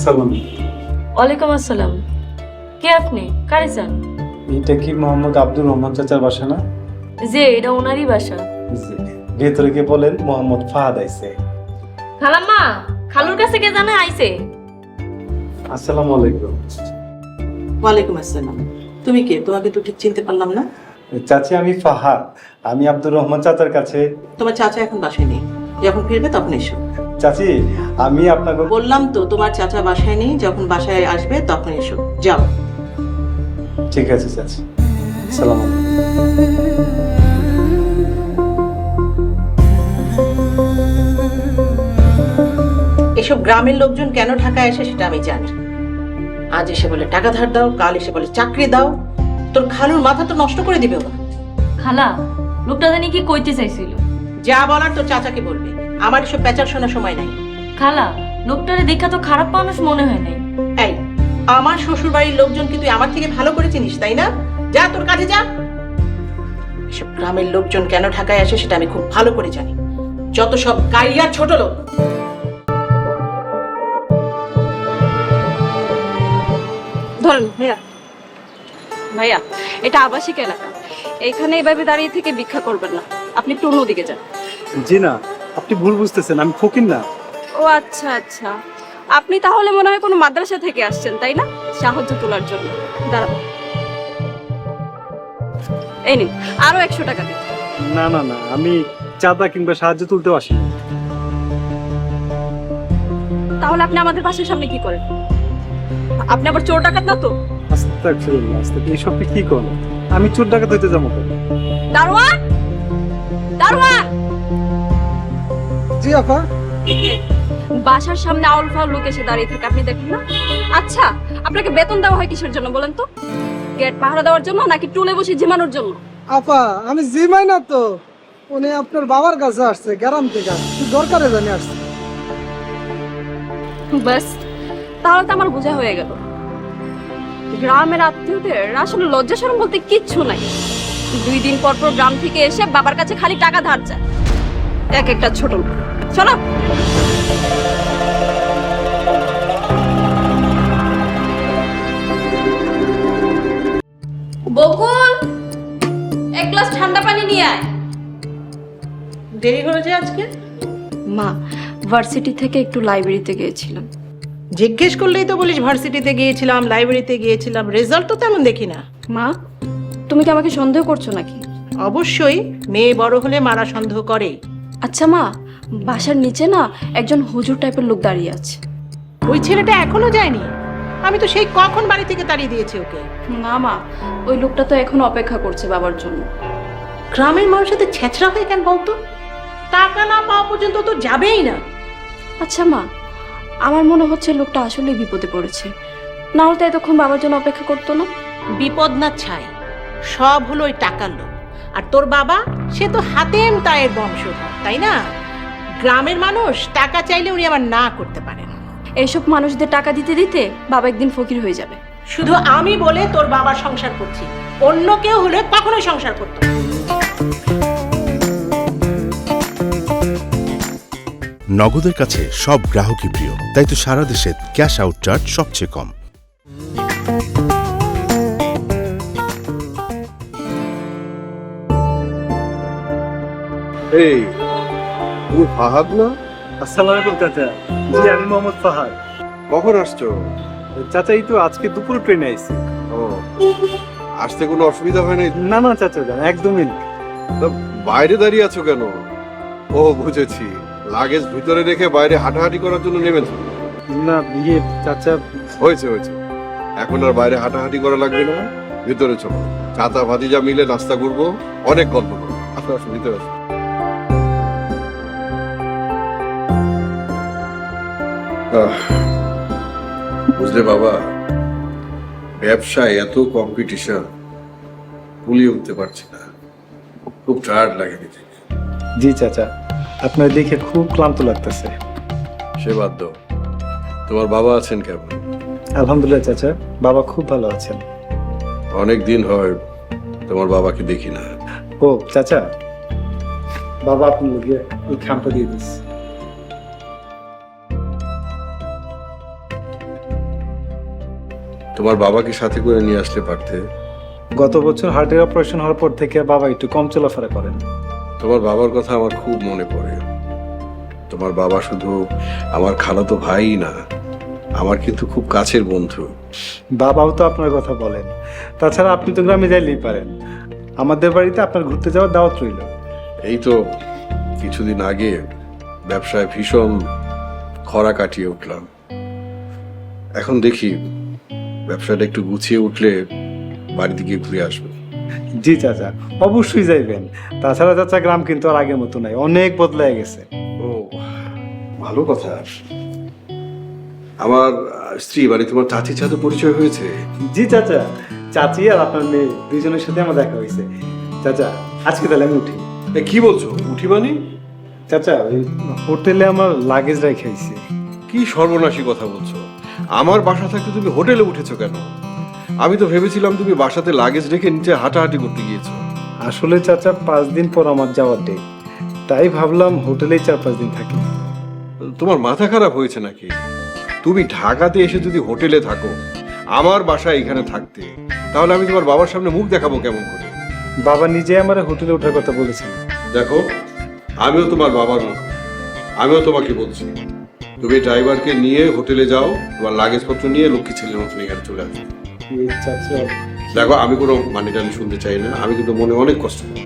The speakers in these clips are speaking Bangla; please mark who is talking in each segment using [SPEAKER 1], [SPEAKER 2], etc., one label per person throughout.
[SPEAKER 1] আসসালাম।
[SPEAKER 2] ওয়ালাইকুম আসসালাম। কে আপনি? কারে চান?
[SPEAKER 1] এটা কি মোহাম্মদ আব্দুর রহমান চাচার বাসা না?
[SPEAKER 2] যে এটা ওনারই বাসা।
[SPEAKER 1] জি। ভেতরে গিয়ে বলেন মোহাম্মদ ফাহাদ আইছে।
[SPEAKER 2] খালাম্মা, খালুর কাছে কে জানে আইছে?
[SPEAKER 1] আসসালামু আলাইকুম।
[SPEAKER 3] ওয়ালাইকুম আসসালাম। তুমি কে? তোমাকে তো ঠিক চিনতে পারলাম না।
[SPEAKER 1] চাচি আমি ফাহাদ। আমি আব্দুর রহমান চাচার কাছে।
[SPEAKER 3] তোমার চাচা এখন বাসায় নেই, যখন ফিরবে তখন এসো।
[SPEAKER 1] চাচি আমি আপনাকে
[SPEAKER 3] বললাম তো তোমার চাচা বাসায় নেই, যখন বাসায় আসবে তখন এসো। যাও।
[SPEAKER 1] ঠিক আছে চাচি। আসসালামু আলাইকুম।
[SPEAKER 3] এসব গ্রামের লোকজন কেন ঢাকায় আসে সেটা আমি জানি। আজ এসে বলে টাকা ধার দাও, কাল এসে বলে চাকরি দাও। তোর খালুর মাথা তো নষ্ট করে দিবে ওরা।
[SPEAKER 2] খালা, লোকটা জানি কি কইতে চাইছিল?
[SPEAKER 3] যা বলার তোর চাচাকে বলবে, আমার এসব পেঁচার শোনার সময় নাই।
[SPEAKER 2] খালা, লোকটারে দেখা তো খারাপ মানুষ মনে হয় নাই।
[SPEAKER 3] এই, আমার শ্বশুর বাড়ির লোকজন কি তুই আমার থেকে ভালো করে চিনিস, তাই না? যা তোর কাজে যা। এসব গ্রামের লোকজন কেন ঢাকায় আসে সেটা আমি খুব ভালো করে জানি। যত সব গাইয়া ছোট লোক।
[SPEAKER 4] ধরেন ভাইয়া, ভাইয়া এটা আবাসিক এলাকা, এইখানে এভাবে দাঁড়িয়ে থেকে ভিক্ষা করবেন না, আপনি একটু অন্যদিকে যান।
[SPEAKER 1] জি না, আপনি ভুল বুঝতেছেন, আমি ফকির না।
[SPEAKER 4] ও আচ্ছা আচ্ছা, আপনি তাহলে মনে হয় কোনো মাদ্রাসা থেকে আসছেন তাই না, সাহায্য তোলার জন্য। দাঁড়ান, এই নিন আরো 100 টাকা দিন।
[SPEAKER 1] না না না, আমি চাঁদা কিংবা সাহায্য তুলতেও আসিনি।
[SPEAKER 4] তাহলে আপনি আমাদের বাসার সামনে কি করেন? আপনি আবার চোর ডাকাত না তো?
[SPEAKER 1] আস্তাগফিরুল্লাহ, আস্তাগফিরুল্লাহ, এইসব কি করেন? আমি চোর ডাকাত হইতে যাবো কেন?
[SPEAKER 4] দারোয়ান, দারোয়ান।
[SPEAKER 1] জি আপা।
[SPEAKER 4] বাসার সামনে আউল ফাউল লোক এসে দাঁড়িয়ে থাকে, আপনি দেখেন না? আচ্ছা, আপনাকে বেতন দেওয়া হয় কিসের জন্য বলেন তো? গেট পাহারা দেওয়ার জন্য নাকি টুলে বসে ঝিমানোর জন্য?
[SPEAKER 5] আপা আমি জিমাই না তো, উনি আপনার বাবার কাছে আসছে গ্রাম থেকে, কি দরকারে জানি আসছে।
[SPEAKER 4] ব্যাস, তাহলে তো আমার বোঝা হয়ে গেল। গ্রামের আত্মীয়দের আসলে লজ্জা শরম বলতে কিচ্ছু নাই। 2 দিন পর পর গ্রাম থেকে এসে বাবার কাছে খালি টাকা ধার চায়, এক একটা ছোট লোক। শোনো, বকুল, 1 গ্লাস ঠান্ডা পানি নিয়ে আয়।
[SPEAKER 3] দেরি হলো যে আজকে?
[SPEAKER 4] মা, ভার্সিটি থেকে একটু লাইব্রেরিতে গিয়েছিলাম।
[SPEAKER 3] জিজ্ঞেস করলেই তো বলিস ভার্সিটিতে গিয়েছিলাম, লাইব্রেরিতে গিয়েছিলাম, রেজাল্ট তো তেমন দেখি না।
[SPEAKER 4] মা, তুমি কি আমাকে সন্দেহ করছো নাকি?
[SPEAKER 3] অবশ্যই, মেয়ে বড় হলে মারা সন্দেহ করে।
[SPEAKER 4] আচ্ছা মা, বাসার নিচে না একজন হুজুর টাইপের লোক দাঁড়িয়ে আছে।
[SPEAKER 3] ওই ছেলেটা এখনো যায়নি? আমি তো সেই কখন বাড়ি থেকে তাড়িয়ে দিয়েছি ওকে।
[SPEAKER 4] না মা, ওই লোকটা তো এখন অপেক্ষা করছে বাবার জন্য।
[SPEAKER 3] গ্রামের মানুষের ছেঁচড়া হয়ে কেন বলতো? টাকা না পাওয়া পর্যন্ত তো যাবেই না।
[SPEAKER 4] আচ্ছা মা, আমার মনে হচ্ছে লোকটা আসলে বিপদে পড়েছে, না হলে তো এতক্ষণ বাবার জন্য অপেক্ষা করতো না।
[SPEAKER 3] বিপদ না ছাই, সব হলো ওই টাকার লোক। আর তোর বাবা, সে তো হাতেম তায়ের বংশধর, তাই না? গ্রামের মানুষ টাকা চাইলে উনি আবার না করতে পারেন।
[SPEAKER 4] এইসব মানুষদের টাকা দিতে দিতে বাবা একদিন ফকির হয়ে যাবে।
[SPEAKER 3] শুধু আমি বলে তোর বাবা সংসার করছি, অন্য কেউ হলে কখনোই সংসার করতো না।
[SPEAKER 6] নগদের কাছে সব গ্রাহকই প্রিয়, তাই তো সারা দেশে ক্যাশ আউট চার্জ সবচেয়ে কম।
[SPEAKER 7] এই, তুমি ফাহাদ না?
[SPEAKER 1] আসসালামু আলাইকুম চাচা। জি আমি মোহাম্মদ ফাহাদ।
[SPEAKER 7] কখন আসছো?
[SPEAKER 1] চাচা এই তো আজকে দুপুর ট্রেনে আইছি।
[SPEAKER 7] ও, আসতে কোনো অসুবিধা হয় নাই?
[SPEAKER 1] না না চাচা জান, একদমই না।
[SPEAKER 7] তা বাইরে দাঁড়িয়ে আছো কেন? ও বুঝেছি, লাগেজ ভিতরে রেখে বাইরে হাঁটাহাঁটি করার জন্য নেমেছো।
[SPEAKER 1] না ইয়ে চাচা,
[SPEAKER 7] হয়েছে হয়েছে, এখন আর বাইরে হাঁটাহাঁটি করা লাগবে না, ভিতরে চলো। চাতা ভাতিজা মিলে নাস্তা করবো, অনেক গল্প করবো। আসো আসো, ভিতরে আসো। বুঝলে বাবা, ব্যবসায় এত কম্পিটিশন, ভুলিয়ে উঠতে পারছি না, খুব টায়ার্ড লাগে নিজেকে।
[SPEAKER 1] জি চাচা, আপনার দেখে খুব ক্লান্ত লাগতেছে।
[SPEAKER 7] সে বাদ দাও, তোমার বাবা আছেন কেমন?
[SPEAKER 1] আলহামদুলিল্লাহ চাচা, বাবা খুব ভালো আছেন।
[SPEAKER 7] অনেক দিন হয় তোমার বাবাকে দেখি না।
[SPEAKER 1] ও চাচা, বাবা আপনি গিয়ে ওই খামটা দিয়ে দিস।
[SPEAKER 7] তোমার বাবাকে সাথে করে নিয়ে আসলে পারতে।
[SPEAKER 1] গত বছর হার্টের অপারেশন হওয়ার পর থেকে বাবা একটু কম চলাফেরা করেন।
[SPEAKER 7] তোমার বাবার কথা আমার খুব মনে পড়ে। তোমার বাবা শুধু আমার খালাতো ভাই না, আমার কিন্তু খুব কাছের বন্ধু।
[SPEAKER 1] বাবাও তো আপনার কথা বলেন। তাছাড়া আপনি তো গ্রামে যাইলেই পারেন। আমাদের বাড়িতে আপনার ঘুরতে যাওয়ার দাওয়াত রইল।
[SPEAKER 7] এই তো কিছুদিন আগে ব্যবসায় ভীষণ খরা কাটিয়ে উঠলাম। এখন দেখি ব্যবসাটা একটু গুছিয়ে উঠলে বাড়িতে গিয়ে ঘুরে আসবো।
[SPEAKER 1] জি চাচা, অবশ্যই যাইবেন। তাছাড়া চাচা গ্রাম কিন্তু আর আগের মতো নাই, অনেক বদলায় গেছে।
[SPEAKER 7] ও, ভালো কথা। আমার স্ত্রী বাড়ি তোমার চাচির সাথে পরিচয় হয়েছে।
[SPEAKER 1] জি চাচা, চাচি আর আপনার মেয়ে দুইজনের সাথে আমার দেখা হয়েছে। চাচা আজকে তাহলে আমি উঠি।
[SPEAKER 7] কি বলছো, উঠি মানে?
[SPEAKER 1] চাচা ওই হোটেলে আমার লাগেজ রেখে আইছি।
[SPEAKER 7] কি সর্বনাশী কথা বলছো! আমার বাসা থাকতে তুমি হোটেলে উঠেছো কেন? আমি তো ভেবেছিলাম তুমি বাসাতে লাগেজ রেখে নিচে হাঁটাহাঁটি করতে গিয়েছো।
[SPEAKER 1] আসলে চাচা 5 দিন পর আমার যাওয়ার ডেট, তাই ভাবলাম হোটেলেই 4-5 দিন থাকি।
[SPEAKER 7] তোমার মাথা খারাপ হয়েছে নাকি? তুমি ঢাকাতে এসে যদি হোটেলে থাকো, আমার বাসায় এখানে থাকতে, তাহলে আমি তোমার বাবার সামনে মুখ দেখাবো কেমন করে?
[SPEAKER 1] বাবা নিজে আমার হোটেলে ওঠার কথা বলেছেন।
[SPEAKER 7] দেখো, আমিও তোমার বাবার মতো, আমিও তোমাকে বলছি, তুমি ড্রাইভারকে নিয়ে হোটেলে যাও, তোমার লাগেজপত্র নিয়ে লক্ষ্মী ছেলের মতন এখানে চলে আসবে।
[SPEAKER 1] চাচা
[SPEAKER 7] দেখো, আমি কোনো মানে টানি শুনতে চাই না, আমি কিন্তু মনে অনেক কষ্ট করি।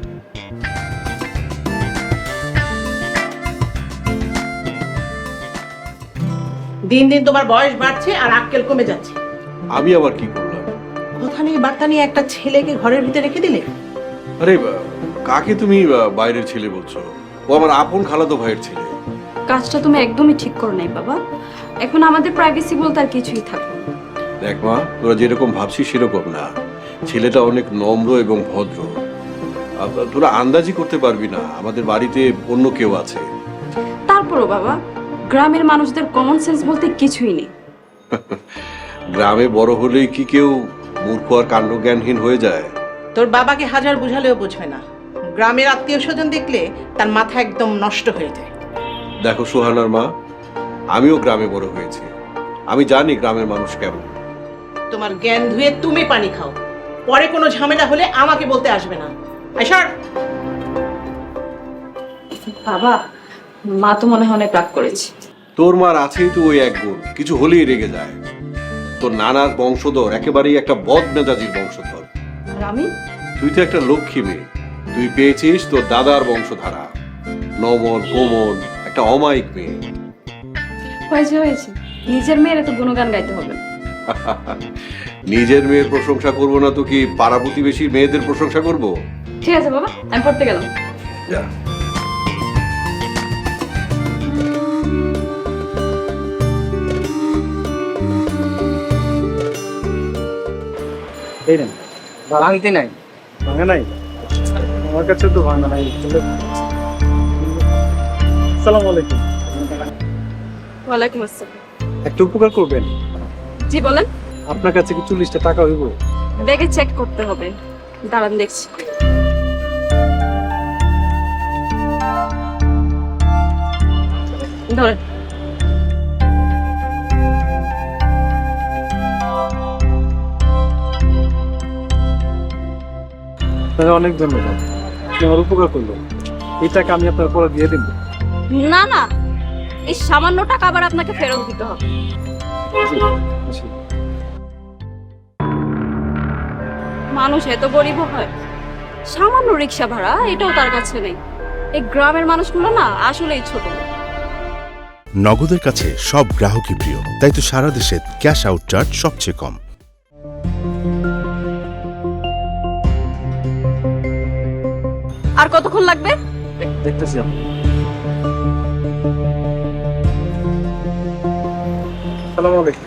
[SPEAKER 3] দিন দিন তোমার বয়স বাড়ছে আর আক্কেল কমে যাচ্ছে।
[SPEAKER 7] আমি আবার কি করলাম?
[SPEAKER 3] কথা নিয়ে বার্তা নিয়ে একটা ছেলেকে ঘরের ভিতরে রেখে দিলে।
[SPEAKER 7] আরে কাকে তুমি বাইরের ছেলে বলছো? ও আমার আপন খালাতো ভাইয়ের ছেলে।
[SPEAKER 4] কাজটা তুমি একদমই ঠিক করো নাই বাবা। এখন আমাদের প্রাইভেসি বলতে আর কিছুই থাকবে না।
[SPEAKER 7] দেখ মা, তোরা যেরকম ভাবছিস সেরকম না। ছেলেটা অনেক নম্র এবং ভদ্র। তোরা আন্দাজি করতে পারবি না আমাদের বাড়িতে অন্য কেউ আছে।
[SPEAKER 4] তারপরও বাবা, গ্রামের মানুষদের কমন সেন্স বলতে কিছুই নেই।
[SPEAKER 7] গ্রামে বড় হলেই কি কেউ মূর্খ আর কাণ্ডজ্ঞানহীন হয়ে যায়?
[SPEAKER 3] তোর বাবাকে হাজার বুঝালেও বুঝবে না। গ্রামের আত্মীয় স্বজন দেখলে তার মাথা একদম নষ্ট হয়ে যায়।
[SPEAKER 7] দেখো সোহানার মা, আমিও গ্রামে বড় হয়েছি, আমি জানি গ্রামের মানুষ কেমন।
[SPEAKER 3] তোমার জ্ঞান ধুয়ে তুমি পানি খাও, পরে কোনো ঝামেলা হলে আমাকে বলতে আসবে না। আইসার
[SPEAKER 4] বাবা, মা তো মনে হয় অনেক রাগ করেছে।
[SPEAKER 7] তোর মার আছেই তো ওই এক গুণ, কিছু হলেই রেগে যায়। তোর নানার বংশধর একেবারেই একটা বদ মেজাজির বংশধর।
[SPEAKER 4] আর আমি?
[SPEAKER 7] তুই তো একটা লক্ষ্মী মেয়ে, তুই পেয়েছিস তোর দাদার বংশধারা, নমন কোমল একটা অমায়িক মেয়ে।
[SPEAKER 4] হয়েছে হয়েছে, নিজের মেয়ের তো গুণগান গাইতে হবে।
[SPEAKER 7] নিজের মেয়ের প্রশংসা করব না তো কি পাড়া প্রতিবেশীর মেয়েদের প্রশংসা করব?
[SPEAKER 4] ঠিক আছে বাবা, আমি পড়তে গেলাম।
[SPEAKER 7] যা।
[SPEAKER 1] এই নেন।
[SPEAKER 5] ভাঙতি নাই।
[SPEAKER 1] ভাঙা নাই? আমার কাছে তো ভাঙা নাই। আসসালামু আলাইকুম।
[SPEAKER 4] ওয়ালাইকুম আসসালাম।
[SPEAKER 1] একটু উপকার করবেন?
[SPEAKER 4] জি বলেন।
[SPEAKER 1] আপনার কাছে কি 40টা টাকা হইব?
[SPEAKER 4] ব্যাগে চেক করতে হবে, দাঁড়ান দেখছি। ধরেন।
[SPEAKER 1] আপনাকে অনেক ধন্যবাদ, আপনি আমার উপকার করলেন। এই টাকা আমি আপনার পরে দিয়ে দেব।
[SPEAKER 4] না না, এই সামান্য টাকা আবার আপনাকে ফেরত দিতে হবে।
[SPEAKER 1] আসি।
[SPEAKER 4] মানুষ এত গরিব হয়, সামান্য রিক্সা ভাড়া এটাও তার কাছে নেই। এই গ্রামের মানুষগুলো না আসলেই ছোট।
[SPEAKER 6] নগদের কাছে সব গ্রাহকই প্রিয়, তাই তো সারা দেশে ক্যাশ আউট চার্জ সবচেয়ে কম।
[SPEAKER 4] আর কতক্ষণ লাগবে?
[SPEAKER 1] দেখতেছি আপনি। আসসালামু আলাইকুম।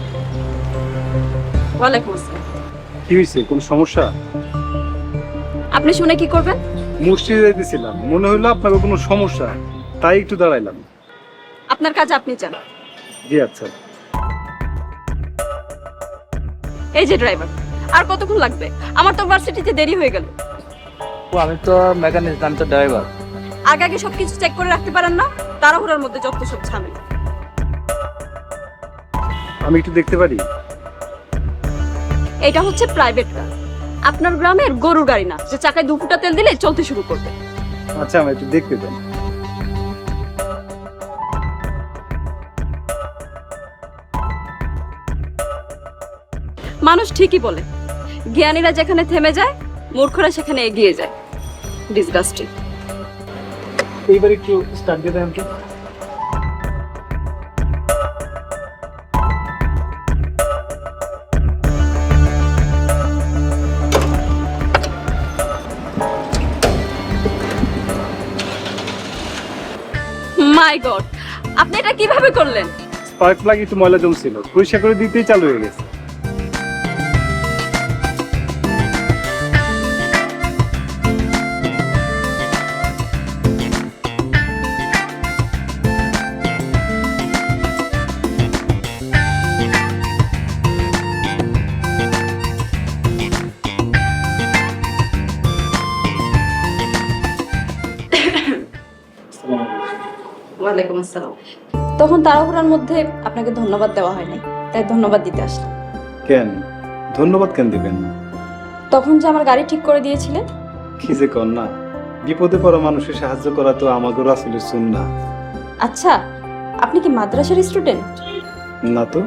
[SPEAKER 4] ওয়ালাইকুম আসসালাম।
[SPEAKER 1] কি হয়েছে, কোন সমস্যা?
[SPEAKER 4] আপনি শুনে কি করবেন?
[SPEAKER 1] মসজিদে যাইতেছিলাম, মনে হইলো আপনার কোনো সমস্যা, তাই একটু দাঁড়াইলাম।
[SPEAKER 4] আপনার কাজ আপনি যান।
[SPEAKER 1] জি আচ্ছা।
[SPEAKER 4] এই যে ড্রাইভার, আর কতক্ষণ লাগবে? আমার তো ভার্সিটিতে দেরি হয়ে গেল।
[SPEAKER 5] আমি তো মেকানিক, আমি তো ড্রাইভার।
[SPEAKER 4] আগে আগে সবকিছু চেক করে রাখতে পারেন না? তাড়াহুড়োর মধ্যে যত সব ঝামেলা।
[SPEAKER 1] আমি একটু দেখতে পারি?
[SPEAKER 4] এটা হচ্ছে প্রাইভেট কার। আপনার গ্রামের গরুর গাড়ি না যে চাকায় 2 ফুটা তেল দিলে চলতে শুরু করবে।
[SPEAKER 1] আচ্ছা আমি একটু দেখতে দেন।
[SPEAKER 4] মানুষ ঠিকই বলে, জ্ঞানীরা যেখানে থেমে যায় মূর্খরা সেখানে এগিয়ে যায়। ডিসগাস্টিং।
[SPEAKER 1] এইবার একটু স্টার্ট দিয়ে দেন তো।
[SPEAKER 4] মাই গড, আপনি এটা কিভাবে করলেন?
[SPEAKER 1] স্পার্ক প্লাগ একটু ময়লা জমছিল, পরিষ্কার করে দিতেই চালু হয়ে গেছে।
[SPEAKER 4] ওয়ালাইকুম আসসালাম। তখন তাড়াহুড়ার মধ্যে আপনাকে ধন্যবাদ দেওয়া হয়নি, তাই ধন্যবাদ দিতে আসলাম।
[SPEAKER 1] কেন ধন্যবাদ কেন দিবেন?
[SPEAKER 4] তখন যে আমার গাড়ি ঠিক করে দিয়েছিলেন।
[SPEAKER 1] কি যে কর না, বিপদে পড়া মানুষের সাহায্য করা তো আমাদের রাসূলের সুন্নাহ।
[SPEAKER 4] আচ্ছা, আপনি কি মাদ্রাসার স্টুডেন্ট?
[SPEAKER 1] না তো।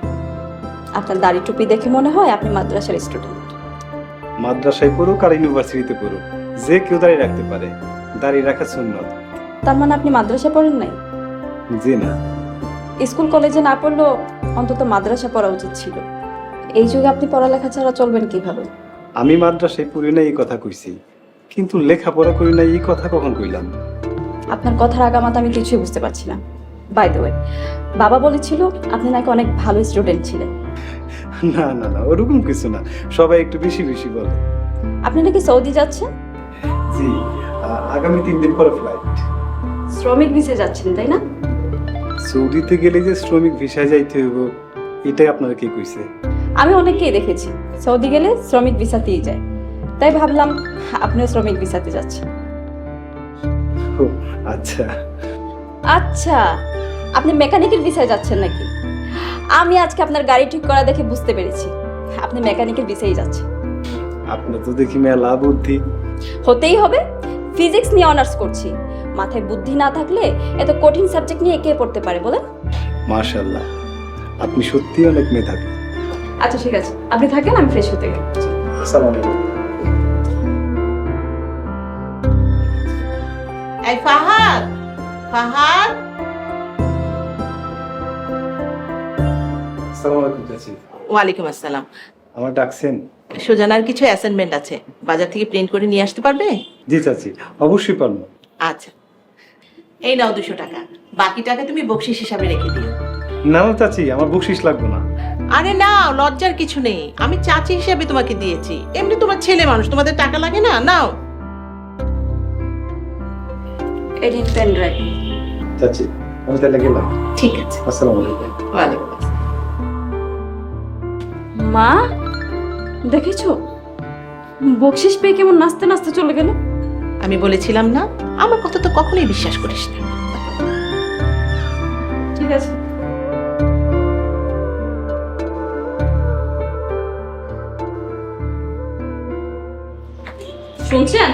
[SPEAKER 4] আপনার দাড়ি টুপি দেখে মনে হয় আপনি মাদ্রাসার স্টুডেন্ট।
[SPEAKER 1] মাদ্রাসায় পড়ুক আর ইউনিভার্সিটিতে পড়ুক, যে কেউ দাঁড়িয়ে রাখতে পারে, দাঁড়িয়ে রাখা সুন্নাত।
[SPEAKER 4] তার মানে আপনি মাদ্রাসা পড়েন নাই?
[SPEAKER 1] জি না।
[SPEAKER 4] স্কুল কলেজে না পড়লেও অন্তত মাদ্রাসা পড়া উচিত ছিল। এই যুগে আপনি পড়ালেখা ছাড়া চলবেন কিভাবে?
[SPEAKER 1] আমি মাদ্রাসায় পড়ি না এই কথা কইছি, কিন্তু লেখাপড়া করি না এই কথা কখন কইলাম?
[SPEAKER 4] আপনার কথার আগামাত আমি কিছুই বুঝতে পারছি না। বাই দ্য ওয়ে, বাবা বলেছিল আপনি নাকি অনেক ভালো স্টুডেন্ট ছিলেন।
[SPEAKER 1] না না না, ওরকম কিছু না, সবাই একটু বেশি বেশি বলে।
[SPEAKER 4] আপনি নাকি সৌদি যাচ্ছেন?
[SPEAKER 1] জি, আগামী 3 দিন পরে ফ্লাইট।
[SPEAKER 4] শ্রমিক ভিসে যাচ্ছেন তাই না?
[SPEAKER 1] সৌদিতে গেলে যে শ্রমিক ভিসায় যাইতে হইব, এটাই আপনারা কি কইছে?
[SPEAKER 4] আমি অনেককেই দেখেছি সৌদি গেলে শ্রমিক ভিসাতেই যায়, তাই ভাবলাম আপনিও শ্রমিক ভিসাতে যাচ্ছেন।
[SPEAKER 1] ও আচ্ছা।
[SPEAKER 4] আচ্ছা, আপনি মেকানিকের ভিসায় যাচ্ছেন নাকি? আমি আজকে আপনার গাড়ি ঠিক করা দেখে বুঝতে পেরেছি আপনি মেকানিকের ভিসায় যাচ্ছেন।
[SPEAKER 1] আপনার তো দেখি মেলা বুদ্ধি।
[SPEAKER 4] হতেই হবে, ফিজিক্স নিয়ে অনার্স করছি। মাথায় বুদ্ধি না থাকলে এত কঠিন সাবজেক্ট নিয়ে কে পড়তে পারে বলেন?
[SPEAKER 1] মাশাআল্লাহ, আপনি সত্যি অনেক মেধাবী।
[SPEAKER 4] আচ্ছা ঠিক আছে, আপনি থাকেন, আমি ফ্রেশ হতে গেলাম।
[SPEAKER 1] আসসালামু আলাইকুম।
[SPEAKER 3] এই ফাহাদ, ফাহাদ,
[SPEAKER 1] আসসালামু আলাইকুম চাচি।
[SPEAKER 3] ওয়ালাইকুম আসসালাম।
[SPEAKER 1] আমার ডাকছেন?
[SPEAKER 3] সুজানার কিছু অ্যাসাইনমেন্ট আছে, বাজার থেকে প্রিন্ট করে নিয়ে আসতে পারবে?
[SPEAKER 1] জি চাচি, অবশ্যই পারবো।
[SPEAKER 3] আচ্ছা, এই নাও 200 টাকা, বাকি টাকা তুমি বকশিস হিসাবে রেখে দিও।
[SPEAKER 1] না না চাচি, আমার বকশিশ লাগবে না।
[SPEAKER 3] আরে নাও, লজ্জার কিছু নেই, আমি চাচি হিসাবে তোমাকে দিয়েছি, এমনি তোমার ছেলে মানুষ, তোমাদের টাকা লাগে না, নাও।
[SPEAKER 4] Edit pen drive.
[SPEAKER 1] চাচি আমি তাহলে গেলাম।
[SPEAKER 3] ঠিক আছে,
[SPEAKER 1] আসসালামু আলাইকুম।
[SPEAKER 3] ওয়ালাইকুম আসসালাম।
[SPEAKER 4] মা, দেখেছো বকশিস পেয়ে কেমন নাচতে নাচতে চলে গেল?
[SPEAKER 3] আমি বলেছিলাম না, আমার কথা তো কখনোই বিশ্বাস করিস না।
[SPEAKER 4] ঠিক আছে। শুনছেন?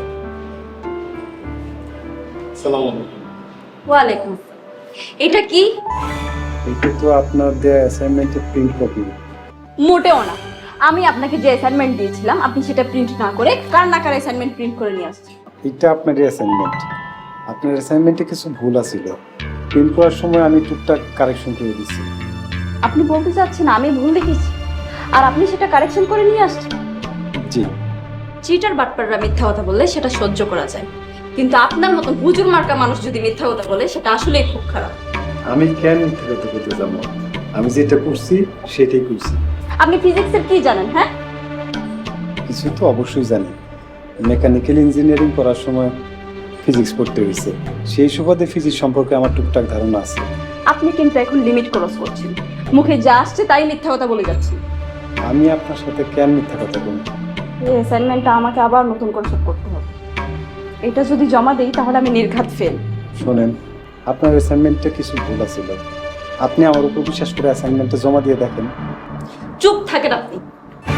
[SPEAKER 1] আসসালামু আলাইকুম।
[SPEAKER 4] ওয়ালাইকুম। এটা কি?
[SPEAKER 1] এটা তো আপনার দেয়া অ্যাসাইনমেন্টের প্রিন্ট কপি।
[SPEAKER 4] মোটেও না, আমি আপনাকে যে অ্যাসাইনমেন্ট দিয়েছিলাম আপনি সেটা প্রিন্ট না করে কার না কার অ্যাসাইনমেন্ট প্রিন্ট করে নিয়ে আসছেন।
[SPEAKER 1] এটা আপনার অ্যাসাইনমেন্ট। আপনার অ্যাসাইনমেন্টে কিছু ভুল আছিল, প্রিন্ট করার সময় আমি টুকটাক কারেকশন করে দিচ্ছি।
[SPEAKER 4] আপনি বলতে চাচ্ছেন আমি ভুল দেখেছি আর আপনি সেটা কারেকশন করে নিয়ে আসছেন?
[SPEAKER 1] জি।
[SPEAKER 4] চিটার বাটপাররা মিথ্যা কথা বললে সেটা সহ্য করা যায়, কিন্তু আপনার মতন হুজুর মার্কা মানুষ যদি মিথ্যা কথা বলে সেটা আসলেই খুব খারাপ।
[SPEAKER 1] আমি কেন মিথ্যা কথা বলতে যাবো? আমি যেটা করছি সেটাই করছি।
[SPEAKER 4] আপনি ফিজিক্সের কি জানেন? হ্যাঁ,
[SPEAKER 1] কিছু তো অবশ্যই জানি। মেকানিক্যাল ইঞ্জিনিয়ারিং করার সময় ফিজিক্স পড়তে হয়েছে, সেই সুবাদে ফিজিক্স সম্পর্কে আমার টুকটাক ধারণা আছে।
[SPEAKER 4] আপনি কিন্তু এখন লিমিট ক্রস করছেন, মুখে যা আসছে তাই মিথ্যা কথা বলে যাচ্ছেন।
[SPEAKER 1] আমি আপনার সাথে কেন মিথ্যা কথা বলবো?
[SPEAKER 4] এই অ্যাসাইনমেন্টটা আমাকে আবার নতুন করে সব করতে হবে। এটা যদি জমা দেই তাহলে আমি নির্ঘাত ফেল।
[SPEAKER 1] শোনেন, আপনার অ্যাসাইনমেন্টে কিছু ভুল আছিল, আপনি আমার উপর বিশ্বাস করে অ্যাসাইনমেন্টটা জমা দিয়ে দেখেন।
[SPEAKER 4] চুপ থাকেন আপনি।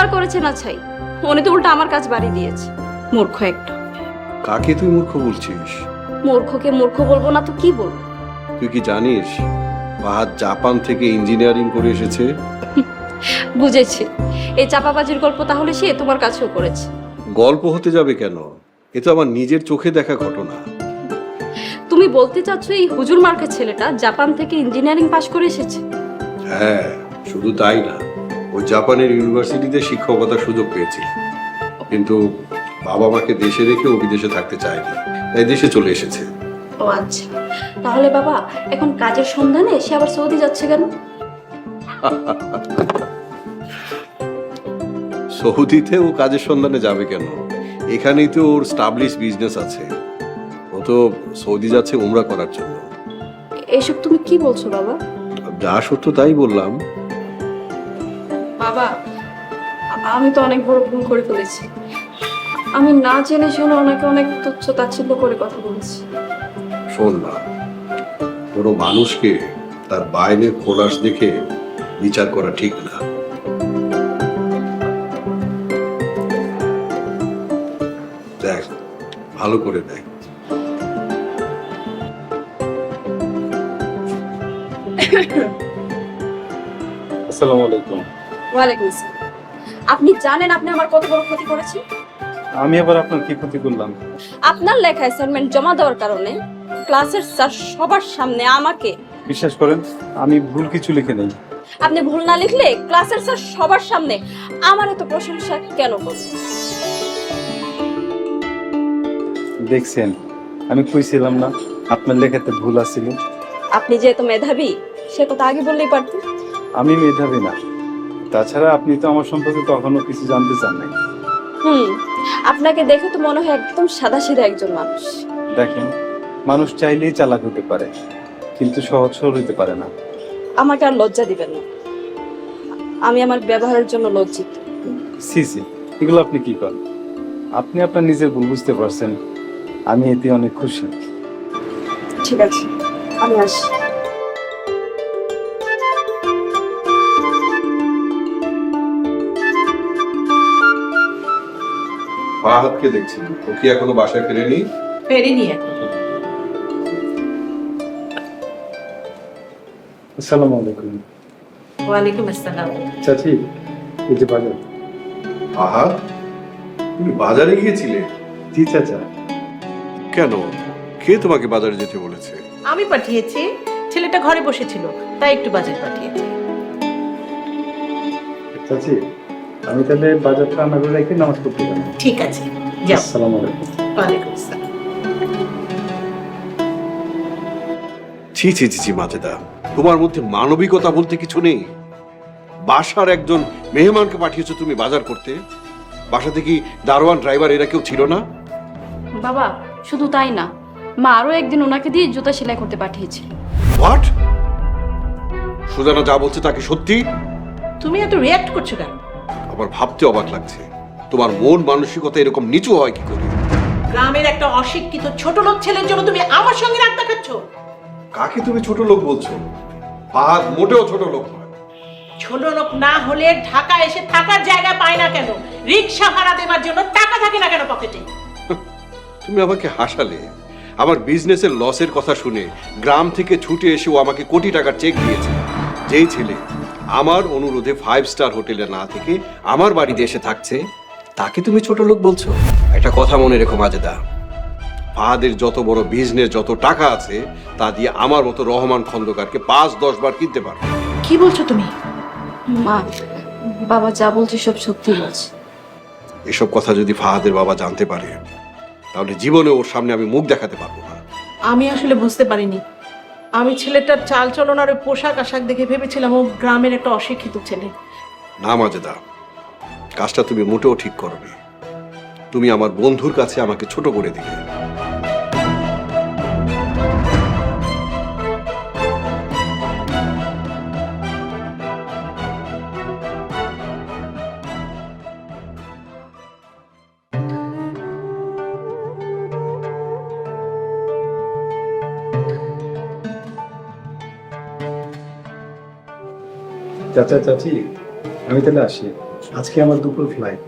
[SPEAKER 4] আর করেছে না ছাই, উনি তো উল্টা আমার কাজ বাড়ি দিয়েছে। মূর্খ একটা।
[SPEAKER 7] কাকে তুই মূর্খ বলছিস?
[SPEAKER 4] মূর্খকে মূর্খ বলবো না তো কি বলবো?
[SPEAKER 7] তুই কি জানিস ফাহাদ জাপান থেকে ইঞ্জিনিয়ারিং করে এসেছে?
[SPEAKER 4] বুঝেছি, এই চাপাবাজির গল্প তাহলে সে তোমার কাছেও করেছে।
[SPEAKER 7] গল্প হতে যাবে কেন? এ তো আমার নিজের চোখে দেখা ঘটনা।
[SPEAKER 4] তুমি বলতে চাচ্ছ এই হুজুর মার্কা ছেলেটা জাপান থেকে ইঞ্জিনিয়ারিং পাশ করে এসেছে?
[SPEAKER 7] হ্যাঁ, শুধু তাই না, ও জাপানের ইউনিভার্সিটিতে শিক্ষকতার সুযোগ পেয়েছে, কিন্তু বাবা মাকে দেশে রেখে ও বিদেশে থাকতে চায়নি, তাই দেশে চলে এসেছে।
[SPEAKER 4] ও আচ্ছা, তাহলে বাবা এখন কাজের সন্ধানে সে আবার সৌদি যাচ্ছে কেন?
[SPEAKER 7] সৌদিতে ও কাজের সন্ধানে যাবে কেন? এখানেই তো ওর স্টাবলিশ বিজনেস আছে। ও তো সৌদি যাচ্ছে উমরা করার জন্য।
[SPEAKER 4] এসব তুমি কি বলছো বাবা?
[SPEAKER 7] যা সত্য তাই বললাম।
[SPEAKER 4] বাবা, আমি তো অনেক বড় ভুল করে ফেলেছি। আমি না জেনে শুনে ওনাকে অনেক তুচ্ছ তাচ্ছিল্য করে কথা বলেছি।
[SPEAKER 7] শোন না, কোনো মানুষকে তার বাইরের খোলাস দেখে বিচার করা ঠিক না। দেখ, ভালো করে দেখ।
[SPEAKER 1] আসসালামু আলাইকুম।
[SPEAKER 4] ওয়ালাইকুম আসসালাম। আপনি জানেন আপনি আমার কত বড় ক্ষতি করেছেন?
[SPEAKER 1] আমি আবার আপনার কি ক্ষতি করলাম?
[SPEAKER 4] আপনার লেখা অ্যাসাইনমেন্ট জমা দেওয়ার কারণে ক্লাসের স্যার সবার সামনে আমাকে,
[SPEAKER 1] বিশ্বাস করেন আমি ভুল কিছু লিখে নেই।
[SPEAKER 4] আপনি ভুল না লিখলে ক্লাসের স্যার সবার সামনে আমার এত প্রশংসা কেন করবেন?
[SPEAKER 1] দেখছেন, আমি কইছিলাম না আপনার লেখাতে ভুল আছিল।
[SPEAKER 4] আপনি যেহেতু মেধাবী সে কথা আগে বললেই পারতেন।
[SPEAKER 1] আমি মেধাবী না, তাছাড়া আপনি তো আমার সম্পর্কে কখনো কিছু জানতে চান নাই।
[SPEAKER 4] আপনাকে দেখে তো মনে হয় একদম সাদাসিধা একজন মানুষ।
[SPEAKER 1] দেখেন, মানুষ চাইলেই চালাক হতে পারে, কিন্তু সহজ সরল হতে পারে না।
[SPEAKER 4] আমাকে আর লজ্জা দিবেন না, আমি আমার ব্যবহারের জন্য লজ্জিত।
[SPEAKER 1] সি সি, এগুলো আপনি কি করেন? আপনি আপনার নিজের ভুল বুঝতে পারছেন, আমি এতে অনেক খুশি।
[SPEAKER 4] ঠিক আছে, আমি আসি।
[SPEAKER 7] ফাহাদকে দেখছি, ও কি এখনো বাসায় ফেরেনি?
[SPEAKER 3] ফেরিনি এখন।
[SPEAKER 1] আসসালামু আলাইকুম।
[SPEAKER 3] ওয়ালাইকুম আসসালাম।
[SPEAKER 1] চাচি, এই যে বাজার।
[SPEAKER 7] ফাহাদ, তুমি বাজারে গিয়েছিলে?
[SPEAKER 1] জি চাচা।
[SPEAKER 7] কেন? কে তোমাকে বাজারে যেতে বলেছে?
[SPEAKER 3] আমি পাঠিয়েছি, ছেলেটা ঘরে বসেছিল তাই একটু বাজার পাঠিয়েছি।
[SPEAKER 1] চাচি, আমি তাহলে বাজারটা রান্না করে রেখে নামাজ পড়তে যাবো।
[SPEAKER 3] ঠিক আছে, যাও।
[SPEAKER 1] আসসালামু আলাইকুম।
[SPEAKER 3] ওয়ালাইকুম আসসালাম।
[SPEAKER 7] ছি ছি ছি ছি মাজেদা, তোমার মধ্যে মানবিকতা বলতে কিছু নেই। বাসার একজন মেহমানকে পাঠিয়েছো তুমি বাজার করতে? বাসাতে কি দারোয়ান, ড্রাইভার এরা কেউ ছিল না?
[SPEAKER 4] বাবা, শুধু তাই না, মা আরো একদিন ওনাকে দিয়ে জুতা সেলাই করতে পাঠিয়েছিল।
[SPEAKER 7] হোয়াট? সুজানা যা বলছে তা কি সত্যি?
[SPEAKER 3] তুমি এত রিয়াক্ট করছো কেন?
[SPEAKER 7] আমার ভাবতে অবাক লাগছে, তোমার মন মানসিকতা এরকম নিচু হয় কি করে?
[SPEAKER 3] গ্রামের একটা অশিক্ষিত ছোট লোক ছেলের জন্য তুমি আমার সঙ্গে রাগ দেখাচ্ছ?
[SPEAKER 7] কাকে তুমি ছোট লোক বলছো? ফাহাদ মোটেও ছোট লোক নয়।
[SPEAKER 3] ছোট লোক না হলে ঢাকা এসে থাকার জায়গা পায় না কেন? রিক্সা ভাড়া দেওয়ার জন্য টাকা থাকে না কেন পকেটে?
[SPEAKER 7] তুমি আমাকে হাসালে। আমার বিজনেসের লসের কথা শুনে গ্রাম থেকে ছুটে এসে ও আমাকে কোটি টাকার চেক দিয়েছে। যেই ছেলে আমার অনুরোধে 5 স্টার হোটেলে না থেকে আমার বাড়িতে এসে থাকছে, তাকে তুমি ছোট লোক বলছো? একটা কথা মনে রেখো মাজেদা, ফাহাদের যত বড় বিজনেস, যত টাকা আছে, তা দিয়ে আমার মতো রহমান খন্দকারকে 5-10 বার কিনতে পারবে।
[SPEAKER 3] কি বলছো তুমি?
[SPEAKER 4] মা, বাবা যা বলছে সব সত্যি বলছে।
[SPEAKER 7] এসব কথা যদি ফাহাদের বাবা জানতে পারে, তাহলে জীবনে ওর সামনে আমি মুখ দেখাতে পারবো না।
[SPEAKER 3] আমি আসলে বুঝতে পারিনি। আমি ছেলেটার চাল চলন আর ওই পোশাক আশাক দেখে ভেবেছিলাম ও গ্রামের একটা অশিক্ষিত ছেলে।
[SPEAKER 7] না মাজেদা, কাজটা তুমি মোটেও ঠিক করবে। তুমি আমার বন্ধুর কাছে আমাকে ছোট করে দিলে।
[SPEAKER 1] চাচা চাচি, আমি তাহলে আসি। আজকে আমার দুপুর ফ্লাইট।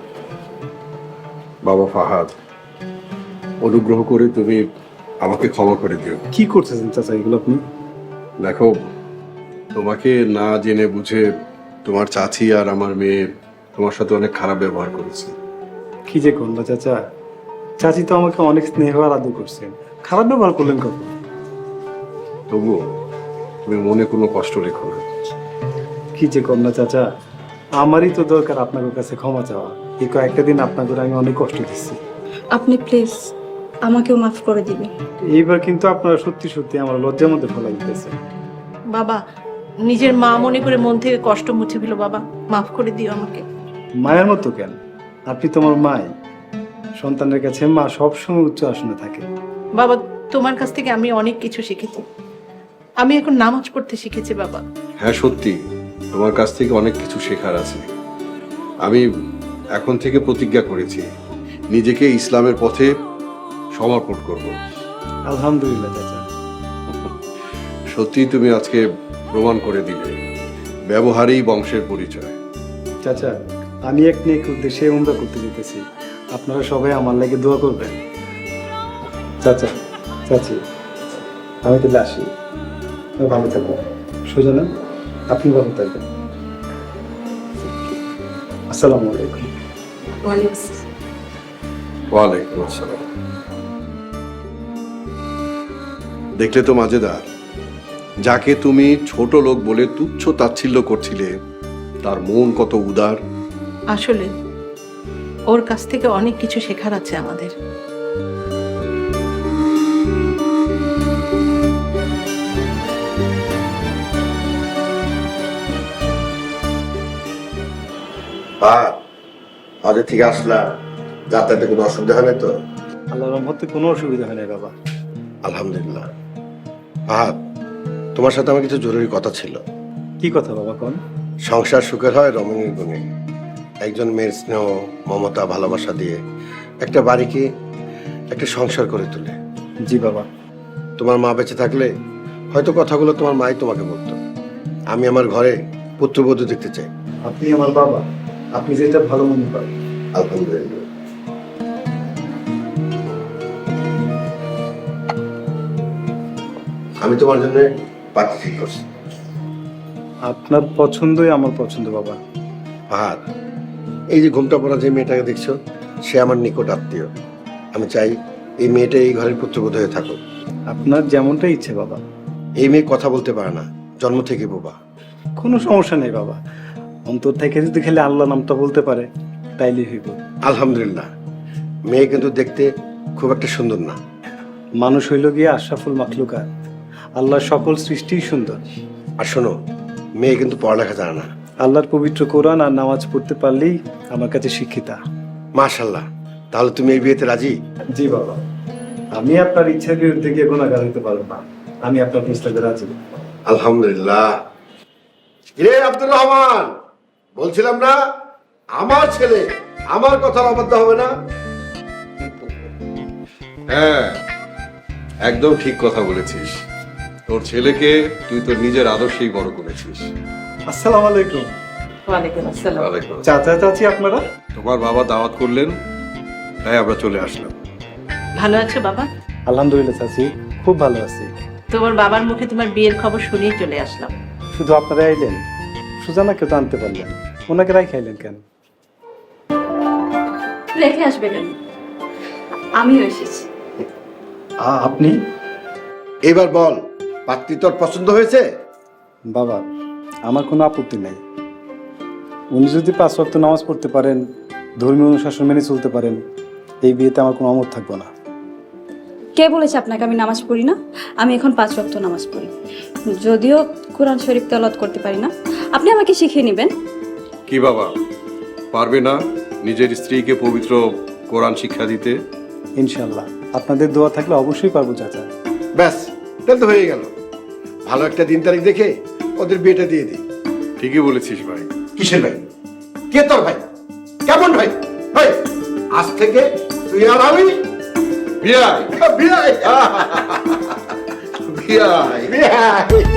[SPEAKER 7] বাবা ফাহাদ, অনুগ্রহ করে তুমি আমাকে ক্ষমা করে দিও।
[SPEAKER 1] কি করতেছেন চাচা এগুলো আপনি?
[SPEAKER 7] দেখো, তোমাকে না জেনে বুঝে তোমার চাচি আর আমার মেয়ে তোমার সাথে অনেক খারাপ ব্যবহার করেছে।
[SPEAKER 1] কি যে করলো চাচা, চাচি তো আমাকে অনেক স্নেহ আর আদর করছেন, খারাপ ব্যবহার করলেন কখন?
[SPEAKER 7] তবুও তুমি মনে কোনো কষ্ট রেখো না।
[SPEAKER 1] কি যে করলো চাচা, আমারই তো দরকার আপনার কাছে ক্ষমা চাওয়া। এই কয়েকটা দিন আপনাকে আমি অনেক কষ্ট দিচ্ছি।
[SPEAKER 8] আপনি প্লিজ আমাকেও মাফ করে দিবেন।
[SPEAKER 1] এইবার কিন্তু আপনারা সত্যি সত্যি আমার লজ্জার মধ্যে ফেলা দিতেছে।
[SPEAKER 3] বাবা, নিজের মা মনে করে মন থেকে কষ্ট মুছে দিল। বাবা, মাফ করে দিও আমাকে।
[SPEAKER 1] মায়ের মতো কেন? আপনি তোমার মাই। সন্তানের কাছে মা সবসময় উচ্চ আসনে থাকে।
[SPEAKER 3] বাবা, তোমার কাছ থেকে আমি অনেক কিছু শিখেছি। আমি এখন নামাজ পড়তে শিখেছি বাবা।
[SPEAKER 7] হ্যাঁ সত্যি, তোমার কাছ থেকে অনেক কিছু শেখার আছে। আমি এখন থেকে প্রতিজ্ঞা করেছি নিজেকে ইসলামের পথে সমর্পণ করব।
[SPEAKER 1] আলহামদুলিল্লাহ চাচা।
[SPEAKER 7] সত্যি তুমি আজকে প্রমাণ করে দিলে ব্যবহারেই বংশের পরিচয়।
[SPEAKER 1] চাচা, আমি এক নেক উদ্দেশ্যে উমরা করতে যেতেছি, আপনারা সবাই আমার লাগে দোয়া করবেন। চাচা, চাচি, আমি তাহলে আসি। ভালো থাকবেন। সুজানা, আপনি ভালো থাকবেন। আসসালামু আলাইকুম।
[SPEAKER 7] ওয়ালাইকুম আসসালাম। দেখলে তো মাজেদার, যাকে তুমি ছোট লোক বলে তুচ্ছ তাচ্ছিল্য করছিলে তার মন কত উদার।
[SPEAKER 3] আসলে ওর কাছ থেকে অনেক কিছু শেখার আছে আমাদের।
[SPEAKER 9] আজ থেকে আসলাম, যাতায়াতে কোনো অসুবিধা হয় না তো?
[SPEAKER 1] আল্লাহর রহমতে কোনো অসুবিধা হয় না বাবা।
[SPEAKER 9] আলহামদুলিল্লাহ। ফাহাদ, তোমার সাথে আমার কিছু জরুরি কথা ছিল।
[SPEAKER 1] কি কথা বাবা কোন?
[SPEAKER 9] সংসার সুখের হয় রমণীর গুণে। একজন মেয়ের স্নেহ, মমতা, ভালোবাসা দিয়ে একটা বাড়িকে একটা সংসার করে তোলে।
[SPEAKER 1] জি বাবা।
[SPEAKER 9] তোমার মা বেঁচে থাকলে হয়তো কথাগুলো তোমার মাই তোমাকে বলতো। আমি আমার ঘরে পুত্রবধূ দেখতে চাই।
[SPEAKER 1] আপনি আমার বাবা, আপনি যেটা ভালো মনে করেন।
[SPEAKER 9] আলহামদুলিল্লাহ। আমি তোমার জন্য পাত্রী ঠিক করছি।
[SPEAKER 1] আপনার পছন্দই আমার পছন্দ বাবা।
[SPEAKER 9] ফাহাদ, এই যে ঘুমটা পড়া যে মেয়েটাকে দেখছো, সে আমার নিকট আত্মীয়। আমি চাই এই মেয়েটা এই ঘরের পুত্রবধূ হয়ে থাকুক।
[SPEAKER 1] আপনার যেমনটা ইচ্ছে বাবা।
[SPEAKER 9] এই মেয়ে কথা বলতে পারে না, জন্ম থেকে বোবা।
[SPEAKER 1] কোনো সমস্যা নেই বাবা, অন্তর থেকে যদি খেলে আল্লাহ নামটা বলতে পারে তাইলেই হইব।
[SPEAKER 9] আলহামদুলিল্লাহ। মেয়ে কিন্তু দেখতে খুব একটা সুন্দর না।
[SPEAKER 1] মানুষ হইল গিয়ে আশরাফুল মাখলুকাত, আল্লাহর সকল সৃষ্টিই সুন্দর।
[SPEAKER 9] আর শোনো, মেয়ে কিন্তু পড়ালেখা জানে না।
[SPEAKER 1] আল্লাহর পবিত্র কোরআন আর নামাজ পড়তে পারলেই আমার কাছে শিক্ষিতা।
[SPEAKER 9] মাশাআল্লাহ। তাহলে তুমি এই বিয়েতে রাজি?
[SPEAKER 1] জি বাবা, আমি আপনার ইচ্ছার বিরুদ্ধে গিয়ে গুনাহগার হইতে পারবো না। আমি আপনার প্রস্তাবে রাজি।
[SPEAKER 9] আলহামদুলিল্লাহ। রে আব্দুর রহমান, বলছিলাম না আমার ছেলে আমার কথার অবাধ্য হবে না?
[SPEAKER 7] হ্যাঁ, একদম ঠিক কথা বলেছিস। তোর ছেলেকে তুই তোর নিজের আদর্শেই বড় করেছিস।
[SPEAKER 1] আসসালামু আলাইকুম।
[SPEAKER 3] ওয়ালাইকুম আসসালাম।
[SPEAKER 7] ওয়ালাইকুম আসসালাম।
[SPEAKER 1] চাচা চাচি আপনারা?
[SPEAKER 7] তোমার বাবা দাওয়াত করলেন, তাই আমরা চলে আসলাম।
[SPEAKER 3] ভালো আছো বাবা?
[SPEAKER 1] আলহামদুলিল্লাহ চাচি, খুব ভালো আছি।
[SPEAKER 3] তোমার বাবার মুখে তোমার বিয়ের খবর শুনেই চলে আসলাম।
[SPEAKER 1] শুধু আপনারা আইলেন, সুজানাকে তো আনতে পারলেন, ওনাকে রাই খাইলেন কেন?
[SPEAKER 4] রেখে আসবে কেন? আমিও এসেছি।
[SPEAKER 1] আপনি?
[SPEAKER 9] এবার বল, পাত্রী তোর পছন্দ হয়েছে?
[SPEAKER 1] বাবা, আমার কোনো আপত্তি নাই। উনি যদি 5 ওয়াক্ত নামাজ পড়তে পারেন, ধর্মীয় অনুশাসন মেনে চলতে পারেন, এই বিয়েতে আমার কোনো অমত থাকবো না।
[SPEAKER 8] কে বলেছে আপনাকে আমি নামাজ পড়ি না? আমি এখন 5 ওয়াক্ত নামাজ পড়ি, যদিও কোরআন শরীফ তেলাওয়াত করতে পারি না। আপনি আমাকে শিখিয়ে নেবেন।
[SPEAKER 7] কি বাবা, পারবে না নিজের স্ত্রীকে পবিত্র কোরআন শিক্ষা দিতে?
[SPEAKER 1] ইনশাল্লাহ, আপনাদের দোয়া থাকলে অবশ্যই পারবো চাচা।
[SPEAKER 9] ব্যাস, তাহলে তো হয়ে গেল। ভালো একটা দিন তারিখ দেখে ওদের বিয়েটা দিয়ে দিই।
[SPEAKER 7] ঠিকই বলেছিস ভাই।
[SPEAKER 9] কিসের ভাই? কে তোর ভাই? কেমন ভাই? ভাই, আজ থেকে তুই আর আমি
[SPEAKER 7] বিয়াই
[SPEAKER 9] বিয়ে।
[SPEAKER 7] বিয়াই।
[SPEAKER 9] বিয়ে।